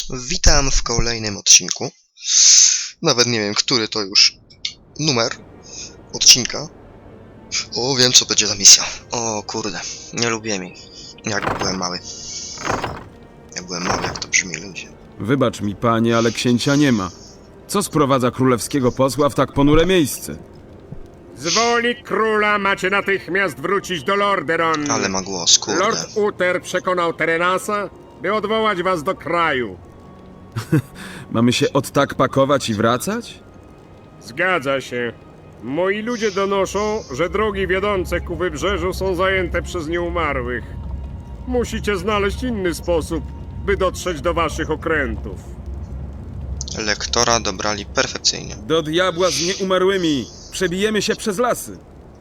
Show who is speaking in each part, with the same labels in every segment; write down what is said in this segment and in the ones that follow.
Speaker 1: Witam w kolejnym odcinku. Nawet nie wiem, który to już numer odcinka. O, wiem, co będzie za misja. O kurde, nie lubię jej. Jak byłem mały. Jak to brzmi, ludzie.
Speaker 2: Wybacz mi, panie, ale księcia nie ma. Co sprowadza królewskiego posła w tak ponure miejsce?
Speaker 3: Z woli króla macie natychmiast wrócić do Lordaeron.
Speaker 1: Ale ma głos, kurde.
Speaker 3: Lord Uther przekonał Terenasa, by odwołać was do kraju.
Speaker 2: Mamy się od tak pakować i wracać?
Speaker 3: Zgadza się. Moi ludzie donoszą, że drogi wiodące ku wybrzeżu są zajęte przez nieumarłych. Musicie znaleźć inny sposób, by dotrzeć do waszych okrętów.
Speaker 1: Lektora dobrali perfekcyjnie.
Speaker 2: Do diabła z nieumarłymi! Przebijemy się przez lasy!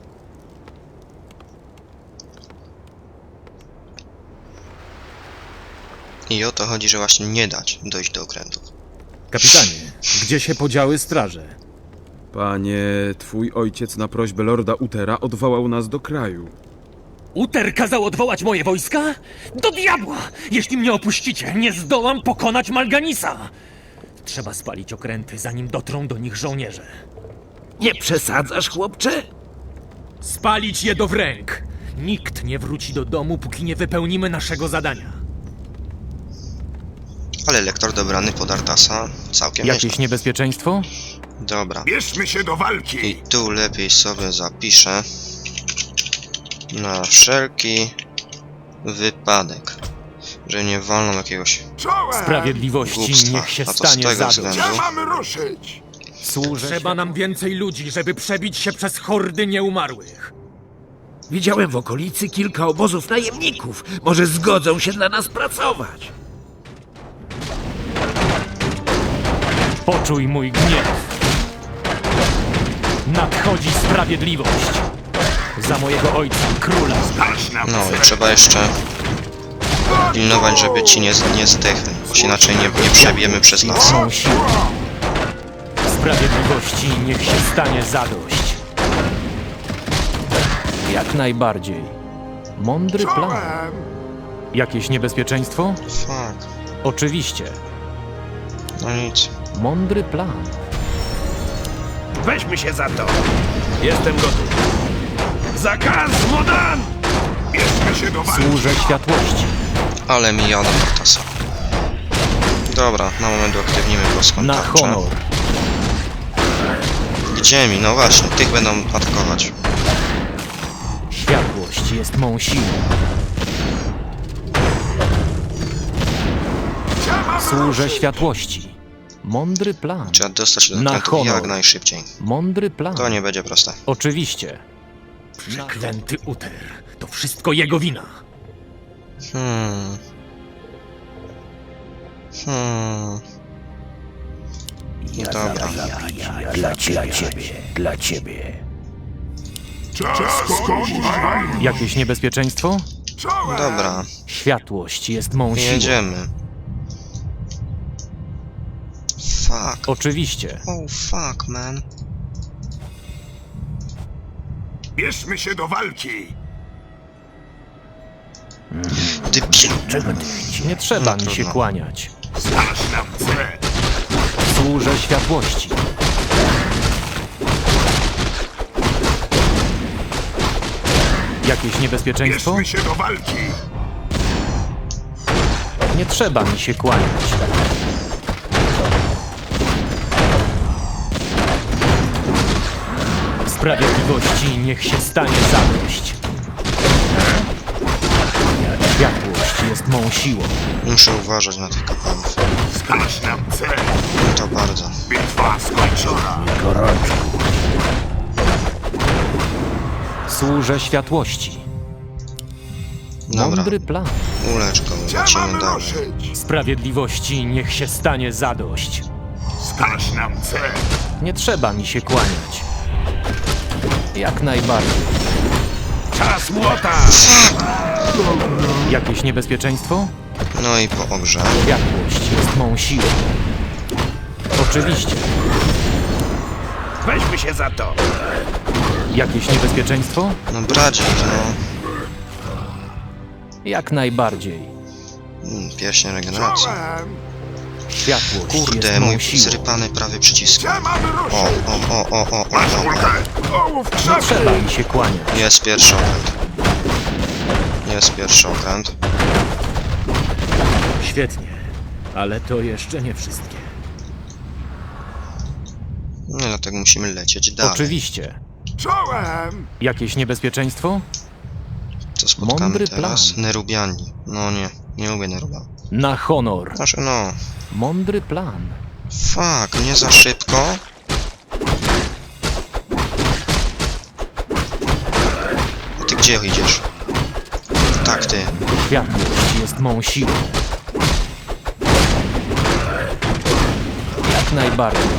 Speaker 1: I o to chodzi, że właśnie nie dać dojść do okrętów.
Speaker 4: Kapitanie, gdzie się podziały straże?
Speaker 2: Panie, twój ojciec na prośbę lorda Uthera odwołał nas do kraju.
Speaker 5: Uther kazał odwołać moje wojska? Do diabła! Jeśli mnie opuścicie, nie zdołam pokonać Malganisa! Trzeba spalić okręty, zanim dotrą do nich żołnierze.
Speaker 6: Nie przesadzasz, chłopcze?
Speaker 5: Spalić je do wręk! Nikt nie wróci do domu, póki nie wypełnimy naszego zadania.
Speaker 1: Ale lektor dobrany pod Artasa całkiem
Speaker 4: Jakieś
Speaker 1: nieźle.
Speaker 4: niebezpieczeństwo?
Speaker 1: Dobra.
Speaker 6: Bierzmy się do walki!
Speaker 1: I tu lepiej sobie zapiszę na wszelki wypadek, że nie wolno jakiegoś
Speaker 6: Czołem!
Speaker 5: Sprawiedliwości
Speaker 1: głupstwa.
Speaker 5: niech się
Speaker 1: A to z
Speaker 5: stanie
Speaker 1: tego
Speaker 5: zadość.
Speaker 1: względu.
Speaker 6: Gdzie mamy ruszyć?
Speaker 4: Służę
Speaker 5: Trzeba nam więcej ludzi, żeby przebić się przez hordy nieumarłych.
Speaker 6: Widziałem w okolicy kilka obozów najemników. Może zgodzą się dla nas pracować.
Speaker 5: Poczuj mój gniew. Nadchodzi sprawiedliwość. Za mojego ojca, króla.
Speaker 1: No i trzeba jeszcze pilnować, żeby ci nie zdechli, bo się inaczej nie przebijemy przez las.
Speaker 5: Mą siłę. Sprawiedliwości niech się stanie zadość.
Speaker 4: jak najbardziej. Mądry plan. Jakieś niebezpieczeństwo?
Speaker 1: Fuck.
Speaker 4: Oczywiście.
Speaker 1: No nic.
Speaker 4: Mądry plan.
Speaker 6: Weźmy się za to. Jestem gotów. Zakaz Modan! Bierzmy się do walki.
Speaker 4: Służę światłości.
Speaker 1: Ale mi jadą Artasa. Dobra, na moment uaktywnimy polską
Speaker 4: Na
Speaker 1: tarczę.
Speaker 4: honor.
Speaker 1: Gdzie mi? No właśnie, tych będą atakować.
Speaker 4: Światłość jest mą siłą. Służę światłości. Mądry plan.
Speaker 1: Trzeba dostać się do
Speaker 4: Na
Speaker 1: okrętów jak
Speaker 4: honor.
Speaker 1: najszybciej.
Speaker 4: Mądry plan.
Speaker 1: To nie będzie proste.
Speaker 4: Oczywiście.
Speaker 5: Przeklęty Uther. To wszystko jego wina.
Speaker 1: Dobra.
Speaker 6: Dla ciebie.
Speaker 4: Jakieś niebezpieczeństwo?
Speaker 1: Dobra,
Speaker 4: Światłość jest mą siłą.
Speaker 1: jedziemy. Fuck.
Speaker 4: Oczywiście.
Speaker 1: Oh fuck, man.
Speaker 6: Bierzmy się do walki.
Speaker 1: Debil.
Speaker 4: Nie trzeba
Speaker 1: No,
Speaker 4: mi się
Speaker 1: trudno.
Speaker 4: kłaniać.
Speaker 6: Znasz nam cel.
Speaker 4: Służę światłości. Jakieś niebezpieczeństwo?
Speaker 6: Bierzmy się do walki.
Speaker 4: Nie trzeba mi się kłaniać. Sprawiedliwości niech się stanie zadość. Światłość jest mą siłą.
Speaker 1: Muszę uważać na tych kapłanów.
Speaker 6: Znasz nam cel.
Speaker 1: To bardzo.
Speaker 6: Bitwa skończona.
Speaker 4: Służę światłości.
Speaker 1: Dobra,
Speaker 4: Mądry plan.
Speaker 1: ulecz go,
Speaker 6: Gdzie
Speaker 1: lecimy
Speaker 6: mamy
Speaker 1: dalej.
Speaker 6: ruszyć?
Speaker 4: Sprawiedliwości niech się stanie zadość.
Speaker 6: Znasz nam cel.
Speaker 4: Nie trzeba mi się kłaniać. Jak najbardziej.
Speaker 6: Czas młota.
Speaker 4: Jakieś niebezpieczeństwo?
Speaker 1: No i po ogrze.
Speaker 4: Światłość jest mą siłą. Oczywiście.
Speaker 6: Weźmy się za to.
Speaker 4: Jakieś niebezpieczeństwo?
Speaker 1: No bracie, no.
Speaker 4: Jak najbardziej.
Speaker 1: Pierścień regeneracji.
Speaker 4: Światłość
Speaker 1: Kurde,
Speaker 4: jest
Speaker 1: mój
Speaker 4: mą siłą.
Speaker 1: zrypany prawy przycisk.
Speaker 6: Gdzie mamy ruszyć?
Speaker 1: O.
Speaker 6: Masz kulkę! Ołów
Speaker 4: Nie
Speaker 6: krzepy!
Speaker 4: trzeba mi się kłaniać.
Speaker 1: Jest pierwszy okręt. Jest pierwszy okręt.
Speaker 5: Świetnie, ale to jeszcze nie wszystkie.
Speaker 1: No dlatego musimy lecieć dalej.
Speaker 4: Oczywiście.
Speaker 6: Czołem!
Speaker 4: Jakieś niebezpieczeństwo?
Speaker 1: Co spotkamy
Speaker 4: Mądry
Speaker 1: teraz?
Speaker 4: plan.
Speaker 1: Nerubiani. No nie lubię Neruba.
Speaker 4: Na honor.
Speaker 1: Znaczy no,
Speaker 4: Mądry plan.
Speaker 1: fuck, nie za szybko. A ty gdzie idziesz? Tak, ty.
Speaker 4: Światłość jest mą siłą. Jak najbardziej.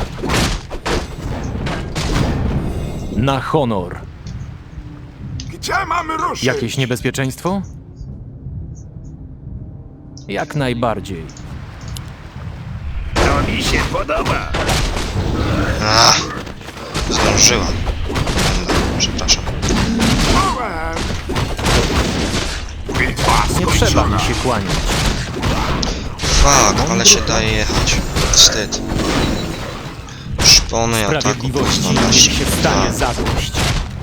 Speaker 4: Na honor.
Speaker 6: Gdzie mamy ruszyć?
Speaker 4: Jakieś niebezpieczeństwo? Jak najbardziej.
Speaker 6: To mi się podoba!
Speaker 1: A, zdążyła. Będę, przepraszam.
Speaker 6: Czołem! Bitwa
Speaker 4: Nie trzeba
Speaker 6: skończona!
Speaker 4: mi się kłaniać.
Speaker 1: Fuck, ale się daje jechać. Wstyd. Szpony ataku
Speaker 4: Sprawiedliwości niech
Speaker 1: 12.
Speaker 4: się stanie zadość.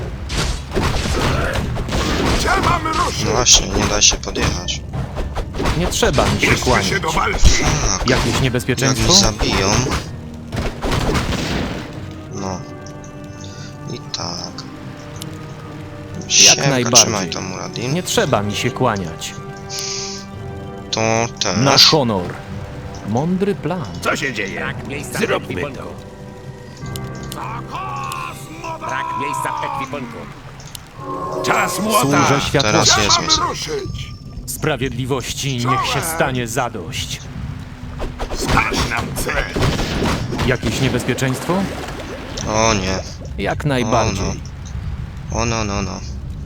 Speaker 6: Gdzie mamy ruszyć?
Speaker 1: No właśnie, nie da się podjechać.
Speaker 4: Nie trzeba mi się
Speaker 6: Bierzmy
Speaker 4: kłaniać.
Speaker 6: się do walki!
Speaker 1: Fuck,
Speaker 4: Jakieś
Speaker 1: jak mnie
Speaker 4: niebezpieczeństwo?
Speaker 1: zabiją. No. I tak. Siemka,
Speaker 4: najbardziej.
Speaker 1: trzymaj to, Muradin.
Speaker 4: Nie trzeba mi się kłaniać.
Speaker 1: To też.
Speaker 4: Na honor. Mądry plan.
Speaker 6: Co się dzieje? Zróbmy to!
Speaker 7: Brak miejsca w ekwipunku.
Speaker 6: Czas młota!
Speaker 4: Służę światłości.
Speaker 1: Teraz
Speaker 6: Gdzie
Speaker 1: jest
Speaker 6: mamy
Speaker 1: misja.
Speaker 6: ruszyć?
Speaker 4: Sprawiedliwości niech się stanie zadość.
Speaker 6: Wskaż nam cel!
Speaker 4: Jakieś niebezpieczeństwo?
Speaker 1: O nie.
Speaker 4: Jak najbardziej.
Speaker 1: O no.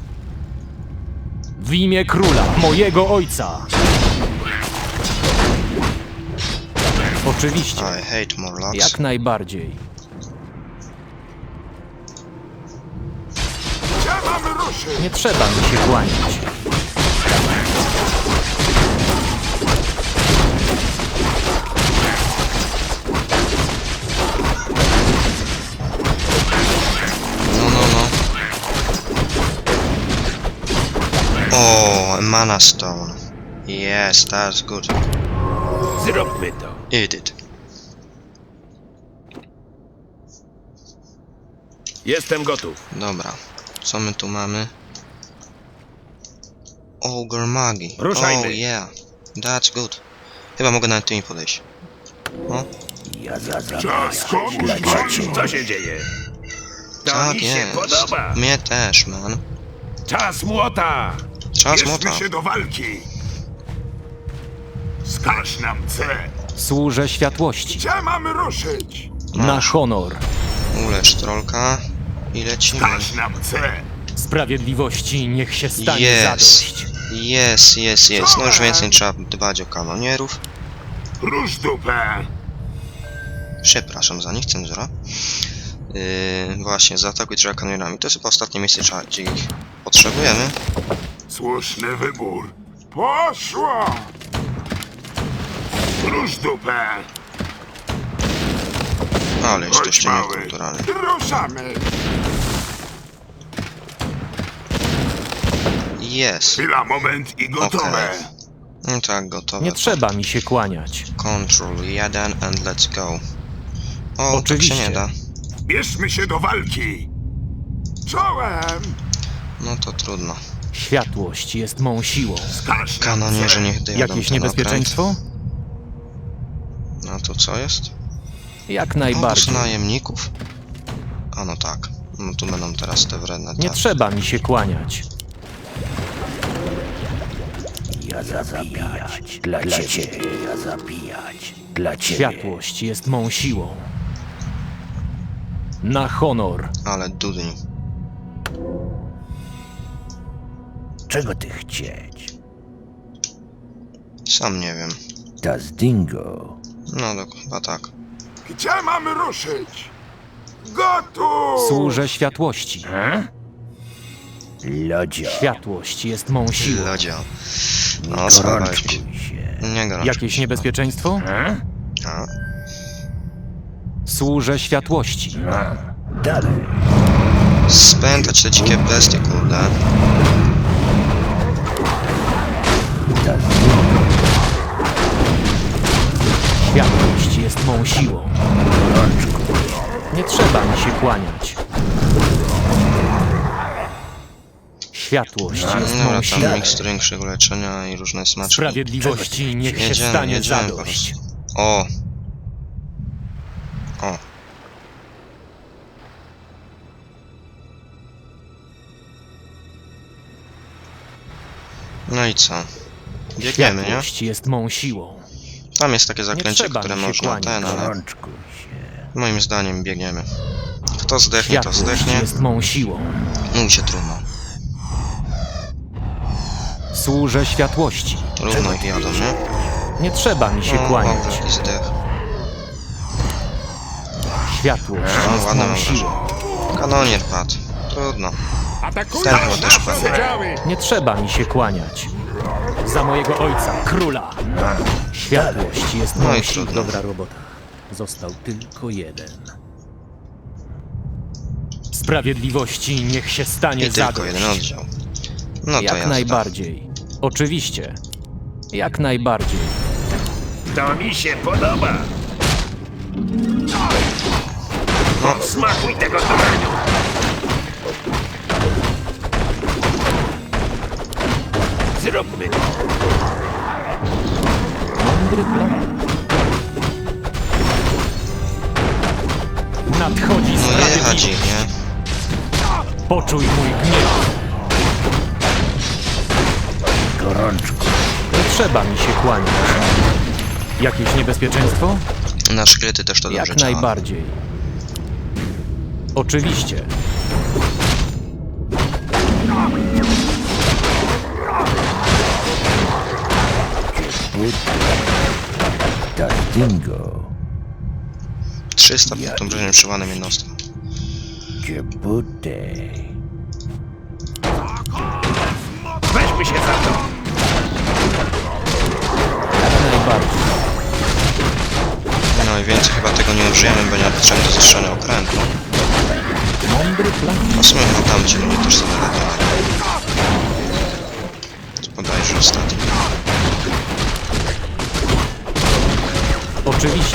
Speaker 4: W imię króla, mojego ojca. Oczywiście.
Speaker 1: I hate Morlocks.
Speaker 4: Jak najbardziej.
Speaker 6: Gdzie mamy ruszyć?
Speaker 4: Nie trzeba mi się kłaniać.
Speaker 1: No. Oh, a mana stone. Yes, that's good.
Speaker 6: Zróbmy to!
Speaker 1: Eat it.
Speaker 6: Jestem gotów.
Speaker 1: Dobra. Co my tu mamy? Ogre Magi.
Speaker 6: Ruszajmy.
Speaker 1: Oh yeah. That's good. Chyba mogę nawet tymi podejść. O,
Speaker 6: Czas komuś! Co się dzieje? To
Speaker 1: tak
Speaker 6: mi się
Speaker 1: jest.
Speaker 6: podoba!
Speaker 1: Mnie też, man.
Speaker 6: Czas młota!
Speaker 1: Czas
Speaker 6: Bierzmy
Speaker 1: młota.
Speaker 6: się do walki! Wskaż nam cel!
Speaker 4: Służę światłości.
Speaker 6: Gdzie mamy ruszyć?
Speaker 4: Na honor.
Speaker 1: Ulecz trolka. I lecimy.
Speaker 6: Wskaż nam cel!
Speaker 4: Sprawiedliwości niech się stanie
Speaker 1: Yes.
Speaker 4: zadość.
Speaker 1: Jest. No już więcej trzeba dbać o kanonierów.
Speaker 6: Rusz dupę!
Speaker 1: Przepraszam za nich, cenzura. Właśnie, zaatakuj trzeba kanonierami. To jest chyba ostatnie miejsce, gdzie ich potrzebujemy.
Speaker 6: Słuszny wybór. Poszło! Rusz dupę!
Speaker 1: Ale
Speaker 6: Chodź,
Speaker 1: jesteście
Speaker 6: mały.
Speaker 1: niekulturalni.
Speaker 6: Ruszamy!
Speaker 1: Jest.
Speaker 6: Chwila, moment i gotowe.
Speaker 1: Okej. No tak, gotowe.
Speaker 4: Nie trzeba mi się kłaniać.
Speaker 1: Control 1 and let's go. O,
Speaker 4: Oczywiście.
Speaker 1: tak się nie da.
Speaker 6: Bierzmy się do walki! Czołem!
Speaker 1: No to trudno.
Speaker 4: Światłość jest mą siłą.
Speaker 6: Wskaż nam
Speaker 1: Kanonierze
Speaker 6: cel!
Speaker 1: niech dojadą
Speaker 4: Jakieś
Speaker 1: ten
Speaker 4: niebezpieczeństwo?
Speaker 1: okręt. No to co jest?
Speaker 4: Jak
Speaker 1: Obóz
Speaker 4: najbardziej.
Speaker 1: najemników? A no tak. No tu będą teraz te wredne
Speaker 4: Nie
Speaker 1: te.
Speaker 4: trzeba mi się kłaniać. Światłość jest mą siłą. Na honor.
Speaker 1: Ale dudni.
Speaker 8: Czego ty chcieć?
Speaker 1: Sam nie wiem.
Speaker 8: Das Dingo.
Speaker 1: No chyba tak.
Speaker 6: Gdzie mamy ruszyć? Gotów!
Speaker 4: Służę światłości.
Speaker 8: Lodzio.
Speaker 4: Światłość jest mą siłą.
Speaker 1: Lodzio. No, schowałeś mi się.
Speaker 8: Gorączkuj się.
Speaker 1: Nie gorączkuj
Speaker 4: Jakieś
Speaker 1: się.
Speaker 4: niebezpieczeństwo?
Speaker 1: A,
Speaker 4: Służę światłości.
Speaker 8: Dalej.
Speaker 1: spętać te dzikie bestie, kurde.
Speaker 8: Kazdingo.
Speaker 4: Światłość jest mą siłą. Nie trzeba mi się kłaniać. Światłość jest
Speaker 1: Dobra,
Speaker 4: mą siłą.
Speaker 1: tam mikstury większego leczenia i różne smaczki.
Speaker 4: Sprawiedliwości niech się
Speaker 1: Jedziemy,
Speaker 4: stanie
Speaker 1: jedziemy po
Speaker 4: zadość.
Speaker 1: prostu. O! O! No i co? Biegniemy, nie?
Speaker 4: Światłość jest mą siłą.
Speaker 1: Tam jest takie zaklęcie,
Speaker 4: trzeba
Speaker 1: które
Speaker 4: mi się
Speaker 1: można
Speaker 4: kłaniać.
Speaker 1: ale
Speaker 8: Gorączkuj się.
Speaker 1: moim zdaniem biegniemy. Kto zdechnie, to
Speaker 4: Światłość
Speaker 1: zdechnie.
Speaker 4: jest mą siłą.
Speaker 1: Mój się trudno.
Speaker 4: Służę światłości.
Speaker 1: Równo ich jadą, nie?
Speaker 4: Nie trzeba mi się
Speaker 1: O,
Speaker 4: kłaniać.
Speaker 1: jaki zdech.
Speaker 4: Światłość
Speaker 1: No,
Speaker 4: jest
Speaker 1: ładny
Speaker 4: mą
Speaker 1: mam
Speaker 4: siłą.
Speaker 1: Kanonier padł. Trudno.
Speaker 3: Atakują
Speaker 1: Ten chyba też
Speaker 3: nasze
Speaker 1: padł.
Speaker 3: działy!
Speaker 4: Nie trzeba mi się kłaniać. Za mojego ojca, króla. Światłość jest
Speaker 1: No
Speaker 4: mą
Speaker 1: i
Speaker 4: siłą.
Speaker 1: trudno.
Speaker 5: Dobra robota. Został tylko jeden.
Speaker 4: Sprawiedliwości niech się stanie
Speaker 1: I tylko
Speaker 4: zadość.
Speaker 1: jeden oddział. No to
Speaker 4: Jak
Speaker 1: jazda.
Speaker 4: najbardziej. Oczywiście. Jak najbardziej.
Speaker 6: To mi się podoba.
Speaker 1: No.
Speaker 6: Smakuj tego tureniu. Zróbmy to.
Speaker 4: Mądry plan. Nadchodzi
Speaker 1: No jechać
Speaker 4: sprawiedliwość.
Speaker 1: ich, nie?
Speaker 4: Poczuj mój gniew.
Speaker 8: Gorączkuj.
Speaker 4: Nie trzeba mi się kłaniać. Jakieś niebezpieczeństwo?
Speaker 1: Na szkielety też to dobrze
Speaker 4: Jak
Speaker 1: działa.
Speaker 4: najbardziej. Oczywiście.
Speaker 8: Kazdingo.
Speaker 1: 300 pod obrażeniem przywołanym jednostką.
Speaker 8: Ciebutej.
Speaker 6: Weźmy się za to.
Speaker 4: Jak najbardziej.
Speaker 1: No i więcej chyba tego nie użyjemy, bo nie ma potrzeby do zestrzenia okrętu.
Speaker 4: Mądry plan.
Speaker 1: A w sumie chyba tam ci ludzie też sobie latają. Bodajże ostatni.
Speaker 4: Oczywiście.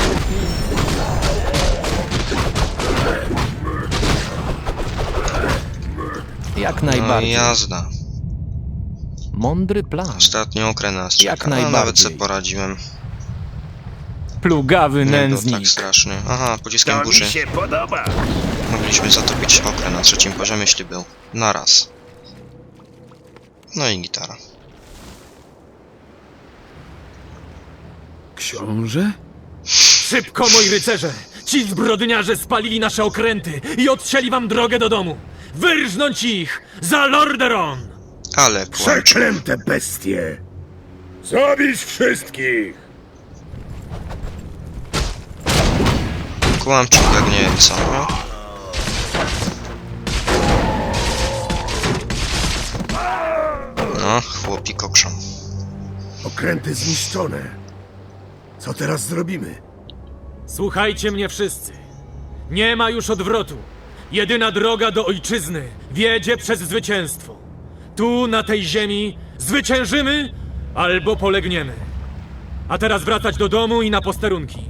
Speaker 4: Jak
Speaker 1: No i
Speaker 4: najbardziej.
Speaker 1: jazda.
Speaker 4: Mądry plan.
Speaker 1: Ostatni okręt nas
Speaker 4: Jak
Speaker 1: czeka. No, nawet
Speaker 4: najbardziej.
Speaker 1: sobie poradziłem.
Speaker 4: Plugawy
Speaker 1: Nie było
Speaker 4: nędznik.
Speaker 1: tak strasznie. Aha, pociskiem
Speaker 6: To mi
Speaker 1: burzy.
Speaker 6: się podoba.
Speaker 1: Mogliśmy zatopić okręt na 3. poziomie, jeśli był. Naraz. No i gitara.
Speaker 2: Książę?
Speaker 5: Szybko, moi rycerze! Ci zbrodniarze spalili nasze okręty i odcięli wam drogę do domu! Wyrżnąć ich! Za Lordaeron!
Speaker 1: Ale kłamcze.
Speaker 6: Przeklęte bestie. Zabić wszystkich.
Speaker 1: Kłamczuk jak nie wiem co, no? No, chłopi kokrzą.
Speaker 6: Okręty zniszczone. Co teraz zrobimy?
Speaker 5: Słuchajcie mnie wszyscy. Nie ma już odwrotu. Jedyna droga do ojczyzny wiedzie przez zwycięstwo. Tu, na tej ziemi, zwyciężymy albo polegniemy. A teraz wracać do domu i na posterunki.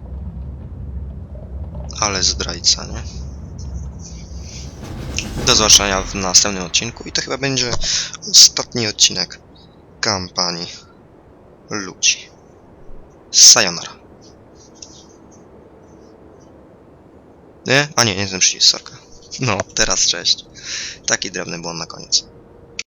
Speaker 1: Ale zdrajca, nie? Do zobaczenia w następnym odcinku i to chyba będzie ostatni odcinek kampanii ludzi. Sayonara. Nie? A nie, nie ten przycisk, sorka. No, teraz cześć. Taki drobny błąd na koniec.